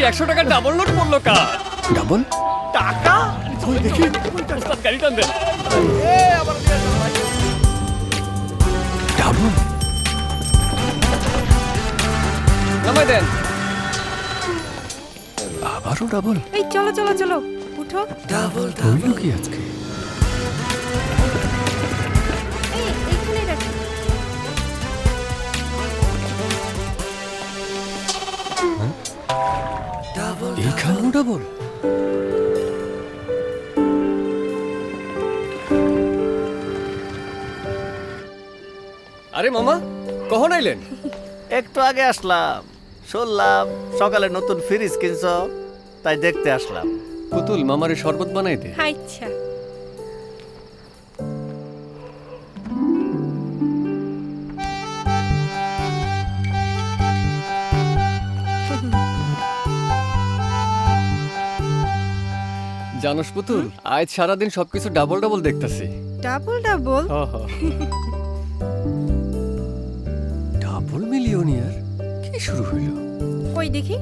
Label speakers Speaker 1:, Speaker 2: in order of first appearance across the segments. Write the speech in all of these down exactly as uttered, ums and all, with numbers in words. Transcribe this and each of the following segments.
Speaker 1: একশো টাকার double note পড়লো কার?
Speaker 2: ডাবল
Speaker 1: টাকা? দেখি ওস্তাদ গাড়ি টান দেন।
Speaker 2: ডাবল
Speaker 1: নামাই দেন।
Speaker 2: আবারও ডাবল।
Speaker 3: এই চলো চলো চলো উঠো।
Speaker 2: হইল কি আজকে?
Speaker 3: এই এইখানে রাখো।
Speaker 2: এইখানেও ডাবল।
Speaker 1: আরে মামা কখন আইলেন?
Speaker 4: একটু আগে আসলাম, শুনলাম সকালে নতুন ফ্রিজ কিনছ, তাই দেখতে আসলাম।
Speaker 1: পুতুল মামারে শরবত বানাই দে।
Speaker 3: আচ্ছা
Speaker 1: জানোস পুতুল, আজ সারাদিন সবকিছু ডাবল ডাবল দেখতাছি।
Speaker 3: ডাবল ডাবল
Speaker 2: ডাবল মিলিয়নিয়ার কি শুরু হইল?
Speaker 3: কই দেখি।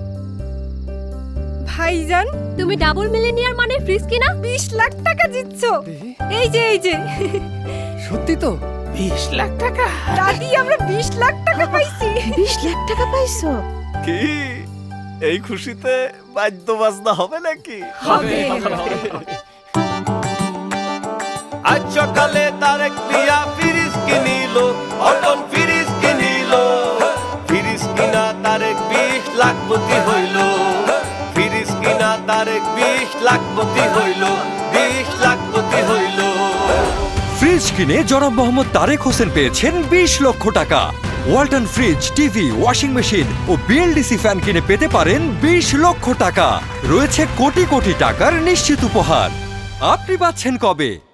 Speaker 3: ভাইজান
Speaker 5: তুমি ডাবল মিলিয়নিয়ার মানে ফ্রিজ কিনা
Speaker 3: বিশ লাখ টাকা জিতছো। এই যে এই যে
Speaker 2: সত্যি তো?
Speaker 4: বিশ লাখ টাকা?
Speaker 3: দাদি আমরা বিশ লাখ টাকা পাইছি।
Speaker 6: বিশ লাখ টাকা পাইছো?
Speaker 4: কি এই খুশিতে বাদ্য বাজনা হবে নাকি?
Speaker 3: হবে
Speaker 4: আজ সকালে তারেক মিয়া ফ্রিজ কিনিল, অটল ফ্রিজ কিনিল। ফ্রিজ কিনা তারেক বিশ লাখপতি হইল, ফ্রিজ কিনা তারেক বিশ লাখপতি হইল, বিশ লাখপতি হইল।
Speaker 7: ফ্রিজ কিনে জনাব মোহাম্মদ তারেক হোসেন পেয়েছেন বিশ লক্ষ টাকা। Walton fridge, TV, washing machine ও বিএলডিসি ফ্যান কিনে পেতে পারেন বিশ লক্ষ টাকা। রয়েছে কোটি কোটি টাকার নিশ্চিত উপহার। আপনি পাচ্ছেন কবে?